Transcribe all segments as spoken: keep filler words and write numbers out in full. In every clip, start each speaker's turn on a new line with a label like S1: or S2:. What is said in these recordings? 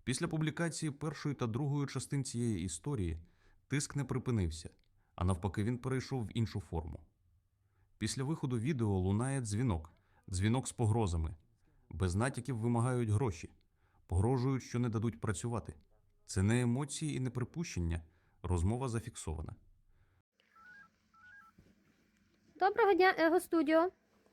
S1: Після публікації першої та другої частин цієї історії тиск не припинився, а навпаки він перейшов в іншу форму. Після виходу відео лунає дзвінок, дзвінок з погрозами. Без натяків вимагають гроші, погрожують, що не дадуть працювати. Це не емоції і не припущення, розмова зафіксована.
S2: Доброго дня, Его Студіо.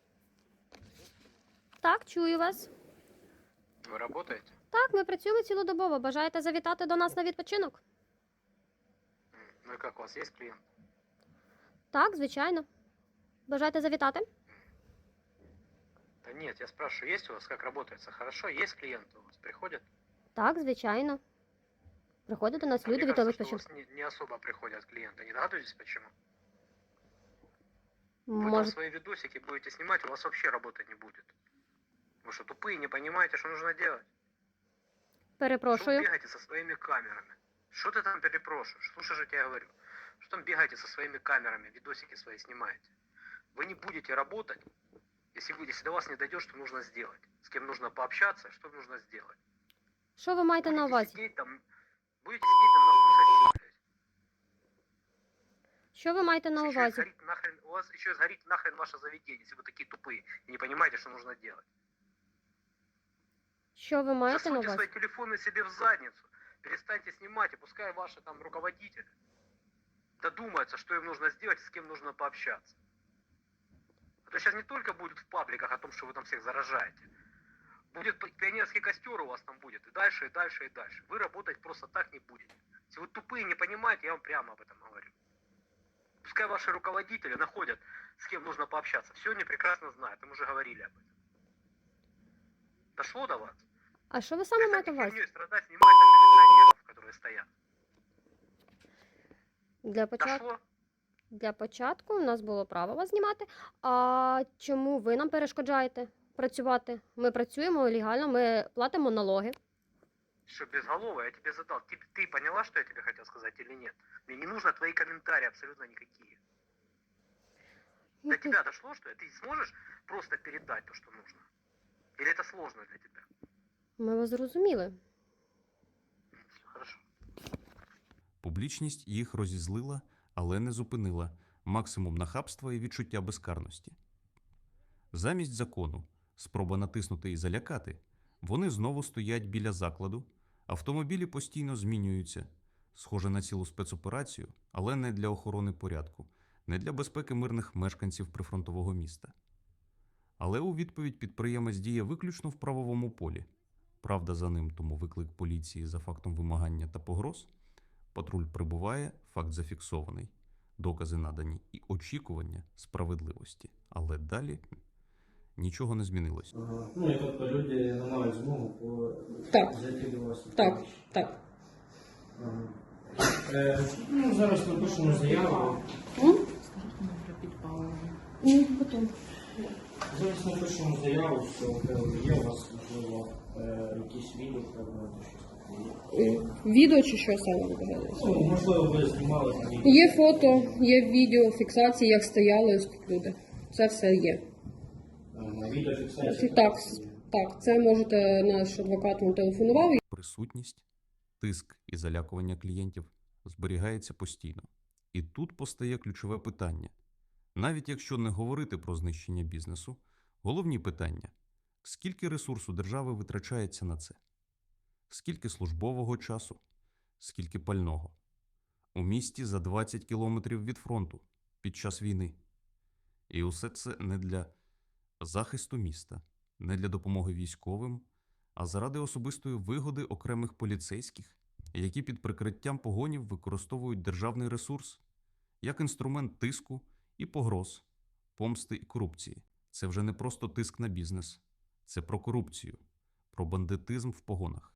S2: Так, чую вас.
S3: Вы работаете?
S2: Так, ми працюємо цілодобово. Бажаєте завітати до нас на відпочинок?
S3: М, Ну и как, у вас есть клиент?
S2: Так, звичайно. Бажаєте завітати?
S3: Да нет, я спрашиваю, есть у вас, как работается? Хорошо, есть клиенты у вас, приходят?
S2: Так, звичайно. Приходять до нас
S3: А мне
S2: люди від
S3: кажется, что у
S2: відпочинку.
S3: вас не, не особо приходят клиенты. Не догадываетесь, почему? Вы там
S2: Може,
S3: свои видосики будете снимать, у вас вообще работать не будет. Вы что, тупые, не понимаете, что нужно делать? Что вы
S2: перепрошую.
S3: бегаете со своими камерами? Что ты там перепрошиваешь? Слушай же, я тебе говорю. Что там бегаете со своими камерами, видосики свои снимаете? Вы не будете работать, если, вы, если до вас не дойдет, что нужно сделать. С кем нужно пообщаться, что нужно сделать.
S2: Що ви маєте на
S3: Будете
S2: увазі?
S3: сидеть там, будете сидеть там нахуй сосед.
S2: Що ви маєте на
S3: Еще и
S2: увазі?
S3: сгорит нахрен, у вас еще и сгорит нахрен ваше заведение, если вы такие тупые и не понимаете, что нужно делать.
S2: Що ви маєте на
S3: Засуньте свои
S2: увазі?
S3: телефоны себе в задницу, перестаньте снимать, и пускай ваши там руководители додумаются, что им нужно сделать и с кем нужно пообщаться. А то сейчас не только будет в пабликах о том, что вы там всех заражаете. Будет пи- пионерский костер у вас там будет, и дальше, и дальше, и дальше. Вы работать просто так не будете. Если вы тупые не понимаете, я вам прямо об этом говорю. Пускай ваши руководители находят, с кем нужно пообщаться. Все они прекрасно знают, им уже говорили об этом. Дошло до вас?
S2: А що ви саме маєте
S3: Перестаньте
S2: на увазі?
S3: херней страдать, снимать там милиционеров, которые стоят.
S2: Для початку,
S3: Дошло?
S2: для початку у нас було право вас знімати. А чому ви нам перешкоджаєте працювати? Ми працюємо легально, ми платимо налоги.
S3: Что, безголовый, я тебе задал. Ты, ты поняла, что я тебе хотел сказать или нет? Мне не нужно твои комментарии абсолютно никакие. До тебя дошло, что ты сможешь просто передать то, что нужно? Или это сложно для тебя?
S2: Ми вас зрозуміли.
S3: М, всё, Хорошо.
S1: Публічність їх розізлила, але не зупинила максимум нахабства і відчуття безкарності. Замість закону, спроба натиснути і залякати, вони знову стоять біля закладу, автомобілі постійно змінюються, схоже на цілу спецоперацію, але не для охорони порядку, не для безпеки мирних мешканців прифронтового міста. Але у відповідь підприємець діє виключно в правовому полі. Правда за ним, тому виклик поліції за фактом вимагання та погроз. Патруль прибуває, факт зафіксований, докази надані і очікування справедливості. Але далі нічого не змінилось.
S4: Ага. Ну і тобто люди не мають змогу по
S2: Так.
S4: зайти до вас.
S2: Так, так.
S4: Ага. Е, ну, зараз напишемо заяву.
S2: Потім.
S4: Зараз напишемо заяву, що е, є у вас, можливо, е, якісь відео, фрагменти, щось таке є.
S5: Відео чи що саме ви казали?
S4: Ну, можливо, ви знімали там відео.
S5: Є фото, є відео, фіксації, як стояли ось тут люди. Це все є.
S4: Ага, відеофіксація.
S5: Так, так, це можете, наш адвокат вам телефонував.
S1: Присутність, тиск і залякування клієнтів зберігається постійно. І тут постає ключове питання. Навіть якщо не говорити про знищення бізнесу, головні питання – скільки ресурсу держави витрачається на це? Скільки службового часу? Скільки пального? У місті за двадцять кілометрів від фронту під час війни. І усе це не для захисту міста, не для допомоги військовим, а заради особистої вигоди окремих поліцейських, які під прикриттям погонів використовують державний ресурс як інструмент тиску і погроз, помсти і корупції. Це вже не просто тиск на бізнес, це про корупцію, про бандитизм в погонах.